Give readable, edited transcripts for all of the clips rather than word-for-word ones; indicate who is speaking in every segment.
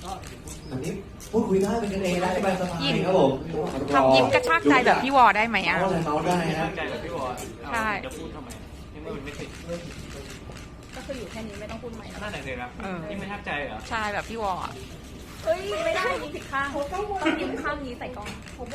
Speaker 1: อันนี้พูดคุยได้เป็นกันเองได้สบายๆครับผม
Speaker 2: ทำยิ้มกระชากใจแบบพี่วอได้ไหมอ่ะ
Speaker 1: เมาได้ฮะ
Speaker 3: ใจแบบพี่วอ
Speaker 2: ใช่
Speaker 3: จะพูดทำไมนี่มันไม่ติด
Speaker 4: ก็คืออยู่แค่นี้ไม่ต้องพูดใหม่แล้ว
Speaker 3: น่าหนักเลยนะนี่ไม่ทักใจเหรอ
Speaker 2: ใช่แบบพี่วออะ
Speaker 4: เฮ้ยไม่ได้ยิ้มผิดข้างต้องยิ้มข้างนี้ใส่กล้อง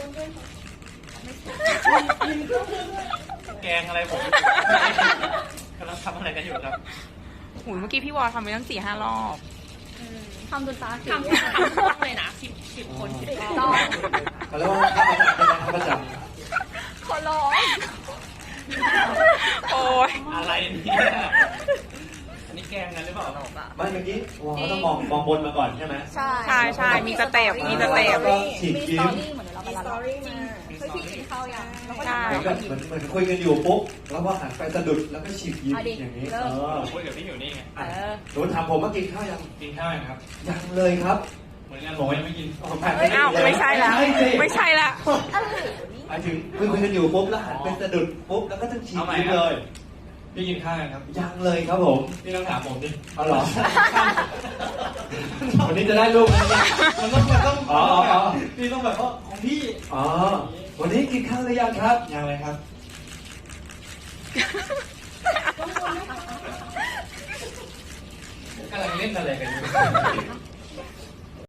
Speaker 3: แกงอะไรผมกำลังทำอะไรกันอยู่ครับ
Speaker 2: หูยเมื่อกี้พี่วอทำไปตั้ง4-5 รอบ
Speaker 4: ทำจนตาสี
Speaker 2: ทำช่องเลยนะ10 คน10 รอบ
Speaker 1: เขาเรียกว่าข้าประจำ
Speaker 4: ขอร้อง
Speaker 2: โอ้ย
Speaker 3: อะไรเนี่ยอันนี้แกงกันหรือเปล่า
Speaker 1: ไม่เมื่อกี้เขาต้องมองบนมาก่อนใช่ไหม
Speaker 4: ใช่
Speaker 2: ใช่มีสเต็ปมีสเต็ป
Speaker 1: ฉีก
Speaker 4: มีส
Speaker 1: ยิ้
Speaker 4: ตอ
Speaker 1: ม
Speaker 4: รี่เหมือนเราไปร้านเราจริงเฮ้ยพี่กินข้าวยังแล้วก็
Speaker 2: ใช่
Speaker 1: เหมือนคุยกันอยู่ปุ๊บแล้วพอหันไปสะดุดแล้วก็ฉีกยิ้มอย่างนี้
Speaker 3: ผมคุยกับพี่อยู่นี่ไง
Speaker 1: หนูถามผมว่ากินข้าวยัง
Speaker 3: กินข้าวยังครับ
Speaker 1: ยังเลยครับ
Speaker 3: เหมือนกันผมยังไม่กิน
Speaker 2: อ้าวไม่ใช่ละไม่ใช่ละ
Speaker 1: หมายถึงคุยกันอยู่ปุ๊บแล้วหันไปสะดุดปุ๊บแล้วก็ต้องฉีกยิ้มเลย
Speaker 3: พี่กินข้าวยังครับ
Speaker 1: ยังเลยครับผม
Speaker 3: พี่ต้องถามผมดิ
Speaker 1: เอาเหรอวันนี้จะได้ลูกไหมเนี่ย
Speaker 3: มันต้อง
Speaker 1: อ๋อ
Speaker 3: พี่ต้องแบบว่าของพี่
Speaker 1: อ๋อวันนี้กินข้าวหรือยังครับ
Speaker 3: ยังเลยครับ